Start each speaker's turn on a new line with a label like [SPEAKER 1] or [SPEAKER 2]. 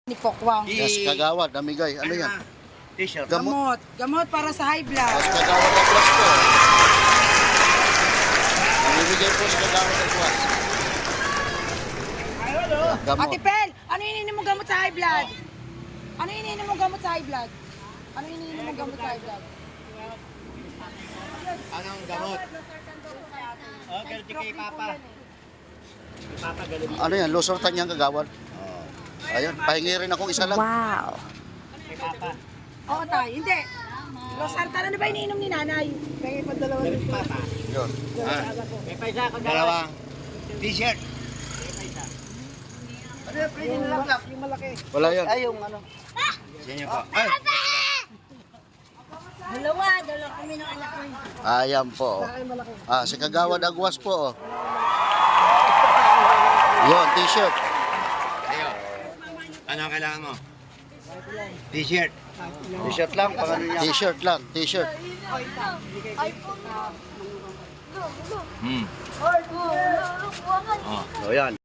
[SPEAKER 1] Ni Pokwang.
[SPEAKER 2] Yes, kagawad, namigay. Ano yan?
[SPEAKER 3] T-shirt.
[SPEAKER 1] Gamot. Gamot para sa high blood.
[SPEAKER 2] Yes, kagawad at was po. Namimigay po sa kagawad at was. Gamot.
[SPEAKER 1] Ate Pel, ano iniinom mo gamot sa high blood? Ano iniinom mo gamot sa high blood? Ano iniinom mo gamot sa high blood?
[SPEAKER 3] Anong gamot? Oh, galit kay Papa. Kay Papa galit.
[SPEAKER 2] Ano yan? Losortan niyang kagawad. Ayun, pahingi rin akong isa lang.
[SPEAKER 4] Wow.
[SPEAKER 3] Kay Papa.
[SPEAKER 1] Oo tayo, hindi. Losartan, ano ba iniinom ni nanay? Kaya pa dalawa
[SPEAKER 3] Galit kay Papa.
[SPEAKER 2] Yun.
[SPEAKER 3] May paisa ka dalawang T-shirt.
[SPEAKER 1] Ano yung pwede na lang yung malaki?
[SPEAKER 2] Wala yan.
[SPEAKER 3] Ay, yung ano. Yan po. Ay.
[SPEAKER 1] Dalawa kami ng anak ko.
[SPEAKER 2] Ayan po. Si kagawad agwas po. Yun, t-shirt.
[SPEAKER 3] Ayo. Ano ang kailangan mo? T-shirt.
[SPEAKER 2] T-shirt lang, pangano niya? T-shirt lang, t-shirt.
[SPEAKER 3] Hmm.
[SPEAKER 2] O yan.